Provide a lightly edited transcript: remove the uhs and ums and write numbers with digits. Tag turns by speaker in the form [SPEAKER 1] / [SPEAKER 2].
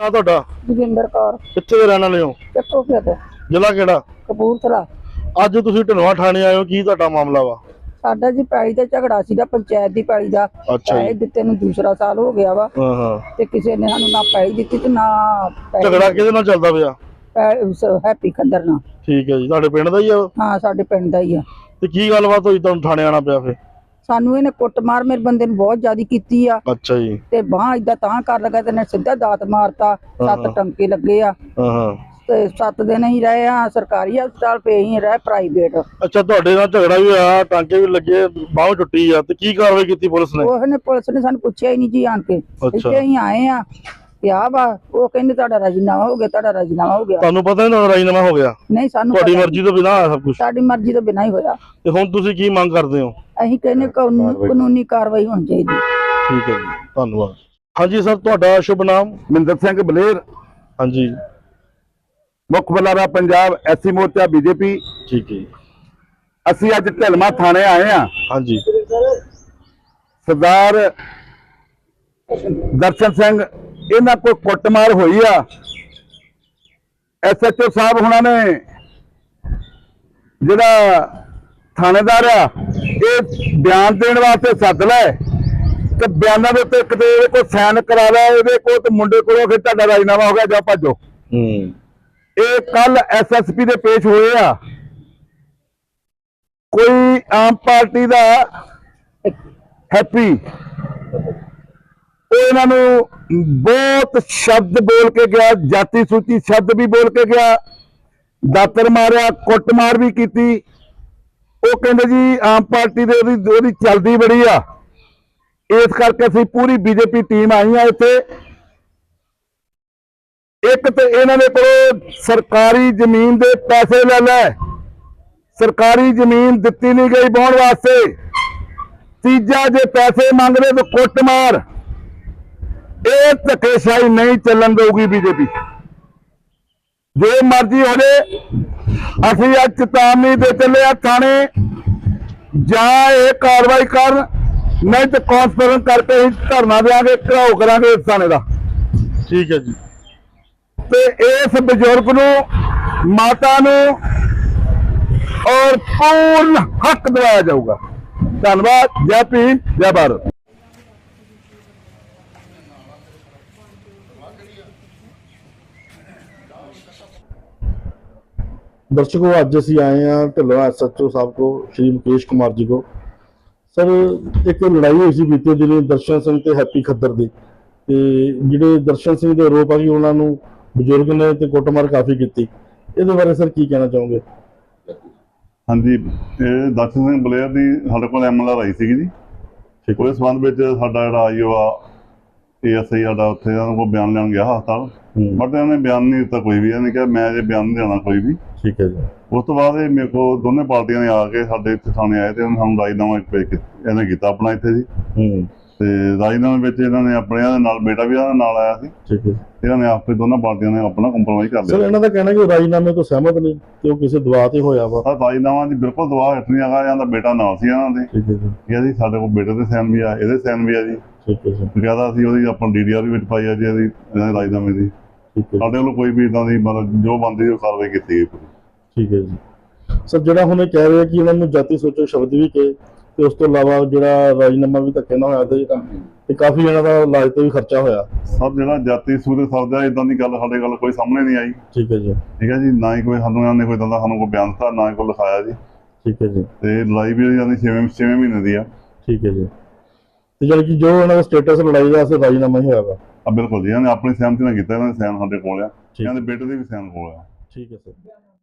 [SPEAKER 1] ਨਾ ਤੁਹਾਡਾ
[SPEAKER 2] ਜੋਗਿੰਦਰ ਕੌਰ
[SPEAKER 1] ਕਿੱਥੇ ਦੇ ਰਹਿਣ ਵਾਲੇ ਹੋ?
[SPEAKER 2] ਚੱਕੋ ਖੇਤ
[SPEAKER 1] ਜ਼ਿਲ੍ਹਾ ਕਿਹੜਾ?
[SPEAKER 2] ਕਪੂਰਥਲਾ।
[SPEAKER 1] ਅੱਜ ਤੁਸੀਂ ਢਿਲਵਾਂ ਥਾਣੇ ਆਏ ਹੋ, ਕੀ ਤੁਹਾਡਾ ਮਾਮਲਾ ਵਾ?
[SPEAKER 2] ਸਾਡਾ ਜੀ ਪੈਲੀ ਦਾ ਝਗੜਾ ਸੀਗਾ ਪੰਚਾਇਤ ਦੀ ਪੈਲੀ ਦਾ।
[SPEAKER 1] ਅੱਛਾ ਜੀ।
[SPEAKER 2] ਪੈਲੀ ਦਿੱਤੇ ਨੂੰ ਦੂਸਰਾ ਸਾਲ ਹੋ ਗਿਆ ਵਾ
[SPEAKER 1] ਹਾਂ
[SPEAKER 2] ਤੇ ਕਿਸੇ ਨੇ ਸਾਨੂੰ ਨਾ ਪੈਲੀ ਦਿੱਤੀ ਤੇ ਨਾ
[SPEAKER 1] ਝਗੜਾ ਕਿਹਦੇ ਨਾਲ ਚੱਲਦਾ ਪਿਆ?
[SPEAKER 2] ਹੈਪੀ ਖੰਦਰ ਨਾਲ।
[SPEAKER 1] ਠੀਕ ਹੈ ਜੀ, ਤੁਹਾਡੇ ਪਿੰਡ ਦਾ ਹੀ ਆ?
[SPEAKER 2] ਹਾਂ ਸਾਡੇ ਪਿੰਡ ਦਾ ਹੀ ਆ।
[SPEAKER 1] ਤੇ ਕੀ ਗੱਲਬਾਤ ਹੋਈ ਤੁਹਾਨੂੰ ਥਾਣੇ ਆਣਾ ਪਿਆ ਫਿਰ?
[SPEAKER 2] ਸਾਨੂੰ ਇਹਨੇ ਕੁੱਟਮਾਰ ਮੇਰੇ ਬੰਦੇ ਨੂੰ ਬਹੁਤ ਜ਼ਿਆਦਾ ਕੀਤੀ ਆ।
[SPEAKER 1] ਅੱਛਾ ਜੀ।
[SPEAKER 2] ਤੇ ਬਾਹ ਏਦਾਂ ਤਾਂ ਕਰ ਲਗਾ ਤੇ ਨੇ ਸਿੱਧਾ ਦਾਤ ਮਾਰਤਾ। 7 ਟੰਕੇ ਲੱਗੇ ਆ।
[SPEAKER 1] ਹਾਂ
[SPEAKER 2] ਤੇ 7 ਦਿਨ ਹੀ ਰਹੇ ਆ ਸਰਕਾਰੀ ਹਸਪਤਾਲ, ਪਏ ਹੀ ਰਹੇ ਪ੍ਰਾਈਵੇਟ।
[SPEAKER 1] ਅੱਛਾ, ਤੁਹਾਡੇ ਨਾਲ ਝਗੜਾ ਵੀ ਹੋਇਆ, ਟਾਂਕੇ ਵੀ ਲੱਗੇ, ਬਾਹ ਟੁੱਟੀ ਆ, ਤੇ ਕੀ ਕਾਰਵਾਈ ਕੀਤੀ ਪੁਲਿਸ ਨੇ?
[SPEAKER 2] ਪੁਲਿਸ ਨੇ ਸਾਨੂੰ ਪੁੱਛਿਆ ਹੀ ਨਹੀਂ ਜੀ ਆਣ ਕੇ।
[SPEAKER 1] ਅੱਛਾ।
[SPEAKER 2] ਇੱਥੇ ਹੀ ਆਏ ਆ ਪਿਆ ਵਾ। ਉਹ ਕਹਿੰਦੇ ਤੁਹਾਡਾ ਰਾਜੀਨਾਮਾ ਹੋ ਗਿਆ, ਤੁਹਾਡਾ ਰਾਜੀਨਾਮਾ ਹੋ ਗਿਆ।
[SPEAKER 1] ਤੁਹਾਨੂੰ ਪਤਾ ਨਹੀਂ ਰਾਜੀਨਾਮਾ ਹੋ ਗਿਆ?
[SPEAKER 2] ਨਹੀਂ, ਸਾਨੂੰ
[SPEAKER 1] ਤੁਹਾਡੀ ਮਰਜ਼ੀ ਤੋਂ ਬਿਨਾਂ ਸਭ ਕੁਝ?
[SPEAKER 2] ਸਾਡੀ ਮਰਜ਼ੀ ਤੋਂ ਬਿਨਾਂ ਹੀ ਹੋਇਆ।
[SPEAKER 1] ਤੇ ਹੁਣ ਤੁਸੀਂ ਕੀ ਮੰਗ ਕਰਦੇ ਹੋ?
[SPEAKER 2] ਅਸੀਂ ਕਹਿੰਦੇ ਕਾਨੂੰਨੀ ਕਾਰਵਾਈ ਹੋਣੀ ਚਾਹੀਦੀ।
[SPEAKER 1] ਠੀਕ ਹੈ ਜੀ, ਧੰਨਵਾਦ। ਹਾਂਜੀ ਸਰ, ਤੁਹਾਡਾ ਸ਼ੁਭ ਨਾਮ?
[SPEAKER 3] ਮਹਿੰਦਰ ਸਿੰਘ ਬਲੇਰ,
[SPEAKER 1] ਹਾਂਜੀ,
[SPEAKER 3] ਮੁੱਖ ਬੁਲਾਰਾ ਪੰਜਾਬ ਐਸਸੀ ਮੋਰਚਾ ਬੀਜੇਪੀ।
[SPEAKER 1] ਠੀਕ ਹੈ ਜੀ।
[SPEAKER 3] ਅਸੀਂ ਅੱਜ ਢਿਲਵਾਂ ਥਾਣੇ ਆਏ ਆ।
[SPEAKER 1] ਹਾਂਜੀ।
[SPEAKER 3] ਸਰਦਾਰ ਦਰਸ਼ਨ ਸਿੰਘ ਇਹਨਾਂ ਕੋਲ ਕੁੱਟਮਾਰ ਹੋਈ ਆ। ਐਸਐਚਓ ਸਾਹਿਬ ਹੁਣਾਂ ਨੇ ਜਿਹੜਾ ਥਾਣੇਦਾਰ ਆ ਇਹ ਬਿਆਨ ਦੇਣ ਵਾਸਤੇ ਸੱਦ ਲੈ ਤੇ ਬਿਆਨਾਂ ਦੇ ਉੱਤੇ ਕਿਤੇ ਇਹਦੇ ਕੋਲ ਸਾਈਨ ਕਰਾ ਲੈ, ਇਹਦੇ ਕੋਲ ਤੇ ਮੁੰਡੇ ਕੋਲੋਂ ਫਿਰ ਤੁਹਾਡਾ ਰਾਜੀਨਾਮਾ ਹੋ ਗਿਆ, ਜਾ ਭੱਜੋ। ਇਹ ਕੱਲ ਐਸਐਸਪੀ ਦੇ ਪੇਸ਼ ਹੋਏ ਆ। ਕੋਈ ਆਮ ਪਾਰਟੀ ਦਾ ਹੈਪੀ ਉਹ ਇਹਨਾਂ ਨੂੰ ਬਹੁਤ ਸ਼ਬਦ ਬੋਲ ਕੇ ਗਿਆ, ਜਾਤੀ ਸੂਚੀ ਸ਼ਬਦ ਵੀ ਬੋਲ ਕੇ ਗਿਆ, ਦਾਤਰ ਮਾਰਿਆ, ਕੁੱਟਮਾਰ ਵੀ ਕੀਤੀ। ਉਹ ਕਹਿੰਦੇ ਜੀ ਆਮ ਪਾਰਟੀ ਦੇ ਉਹਦੀ ਚੱਲਦੀ ਬੜੀ ਆ, ਇਸ ਕਰਕੇ ਅਸੀਂ ਪੂਰੀ ਬੀਜੇਪੀ ਟੀਮ ਆਈ ਆ ਇੱਥੇ। ਇੱਕ ਤੇ ਇਹਨਾਂ ਦੇ ਕੋਲ ਸਰਕਾਰੀ ਜ਼ਮੀਨ ਦੇ ਪੈਸੇ ਲੈ ਲੈ, ਸਰਕਾਰੀ ਜ਼ਮੀਨ ਦਿੱਤੀ ਨਹੀਂ ਗਈ ਵਾਹੁਣ ਵਾਸਤੇ। ਤੀਜਾ, ਜੇ ਪੈਸੇ ਮੰਗਦੇ ਤਾਂ ਕੁੱਟਮਾਰ। ਇਹ ਧੱਕੇਸ਼ਾਹੀ ਨਹੀਂ ਚੱਲਣ ਦੇਊਗੀ ਬੀਜੇਪੀ, ਜੋ ਮਰਜ਼ੀ ਹੋ ਜਾਏ। ਅਸੀਂ ਅੱਜ ਚੇਤਾਵਨੀ ਦੇ ਚੱਲੇ ਆ ਥਾਣੇ, ਜਾਂ ਇਹ ਕਾਰਵਾਈ ਕਰਨ, ਨਹੀਂ ਤੇ ਕਾਨਫਰੰਸ ਕਰਕੇ ਅਸੀਂ ਧਰਨਾ ਦੇਵਾਂਗੇ, ਘਰਾਓ ਕਰਾਂਗੇ ਇਸ ਥਾਣੇ ਦਾ।
[SPEAKER 1] ਠੀਕ ਹੈ ਜੀ।
[SPEAKER 3] ਤੇ ਇਸ ਬਜ਼ੁਰਗ ਨੂੰ, ਮਾਤਾ ਨੂੰ ਔਰ ਪੂਰਨ ਹੱਕ ਦਿਵਾਇਆ ਜਾਊਗਾ। ਧੰਨਵਾਦ। ਜੈ ਭੀਮ, ਜੈ ਭਾਰਤ।
[SPEAKER 1] दर्शकों, आज असी आए हैं ढिल्लों एसएचओ साहब को, श्री मुकेश कुमार जी को। सर, एक लड़ाई हुई सी बीते दिन दर्शन सिंह ते हैप्पी खद्दर दी। ते जिहड़े दर्शन सिंह दे आरोप आ कि उन्हां नूं बजुर्ग ने ते कुੱਟਮਾਰ काफ़ी की, इहदे बारे सर की कहना चाहोगे?
[SPEAKER 4] हाँ जी, दर्शन सिंह बलेर की साडे कोल MLR आई सी जी। ठीक, उस संबंध में साडा जिहड़ा आईओ आ ASI साडा उत्थे उन्हां कोल बयान लैण गया हस्पताल, बट इन्होंने बयान नहीं दिता कोई भी। इन्होंने कहा मैं अजे बयान नहीं देना कोई भी।
[SPEAKER 1] ठीक है जी।
[SPEAKER 4] उस तो बाद मेरे को दोनों पार्टियां ने आके साडे इत्थे थाने आए ते सानूं राजीनामा इन्हें कीता अपना इत्थे जी। ते राजीनामे विच इन्होंने अपने नाल बेटा भी इन्हां नाल आया सी।
[SPEAKER 1] ठीक है।
[SPEAKER 4] इन्होंने आपे दोनों पार्टियां ने अपना कंप्रोमाइज कर लिया।
[SPEAKER 1] सर, इन्हां दा कहना कि राजीनामे तो सहमत नहीं, कि वो किसी दबाव ते होया वा।
[SPEAKER 4] राजीनामा जी बिल्कुल दबाव हट नहीं आगा, इन्हां दा बेटा नाल सी इन्हां दे। ठीक है जी। ये जी साडे कोल बेटे दे साइन भी आ, इहदे साइन भी आ जी। ठीक है जी। ज्यादा असीं ओहदी अपनी DDR भी विच पाई आ जी, इहदी राजीनामे दी। ठीक है। साडे कोल कोई भी इदां दी मतलब जो बनदी ओ कार्रवाई कीती गई पूरी। ठीक है जी।
[SPEAKER 1] सर, जिहड़ा हुण कह रहे कि इन्हां नूं जाति सोचो शब्द भी कहे, ਤੇ ਉਸ ਤੋਂ ਇਲਾਵਾ ਜਿਹੜਾ ਰਾਜੀਨਾਮਾ ਵੀ ਧੱਕੇ ਨਾਲ ਹੋਇਆ ਤੇ ਕਾਫੀ ਇਹਨਾਂ ਦਾ ਇਲਾਜ ਤੇ ਵੀ ਖਰਚਾ ਹੋਇਆ।
[SPEAKER 4] ਸਰ, ਜਿਹੜਾ ਜਾਤੀ ਸੂਰੇ ਸਰਦਾ ਇਦਾਂ ਦੀ ਗੱਲ ਸਾਡੇ ਕੋਲ ਕੋਈ ਸਾਹਮਣੇ ਨਹੀਂ ਆਈ। ਠੀਕ ਹੈ ਜੀ। ਠੀਕ ਹੈ ਜੀ। ਨਾ ਹੀ ਕੋਈ ਸਾਨੂੰ ਇਹਨਾਂ ਨੇ ਕੋਈ ਦੰਦਾ ਸਾਨੂੰ ਕੋਈ ਬਿਆਨ ਦਿੱਤਾ, ਨਾ ਹੀ ਕੋਈ ਲਿਖਾਇਆ ਜੀ। ਠੀਕ ਹੈ ਜੀ। ਤੇ ਲੜਾਈ ਵੀ ਜਾਂਦੀ 6ਵੇਂ ਮਹੀਨੇ ਦੀ ਆ। ਠੀਕ ਹੈ ਜੀ। ਤੇ ਜਾਨੀ ਕਿ ਜੋ ਇਹਨਾਂ ਦਾ ਸਟੇਟਸ ਲੜਾਈ ਦਾ ਅਸਰ ਰਾਜੀਨਾਮਾ ਹੀ ਹੋਇਆ ਵਾ। ਬਿਲਕੁਲ ਜੀ, ਇਹਨਾਂ ਨੇ ਆਪਣੀ ਸਹਿਮਤੀ ਨਾਲ ਕੀਤਾ, ਇਹਨਾਂ ਦੇ ਸਾਈਨ ਸਾਡੇ ਕੋਲ ਆ, ਇਹਨਾਂ ਦੇ ਬੇਟੇ ਦੇ ਵੀ ਸਾਈਨ ਕੋਲ ਆ। ਠੀਕ ਹੈ ਸਰ।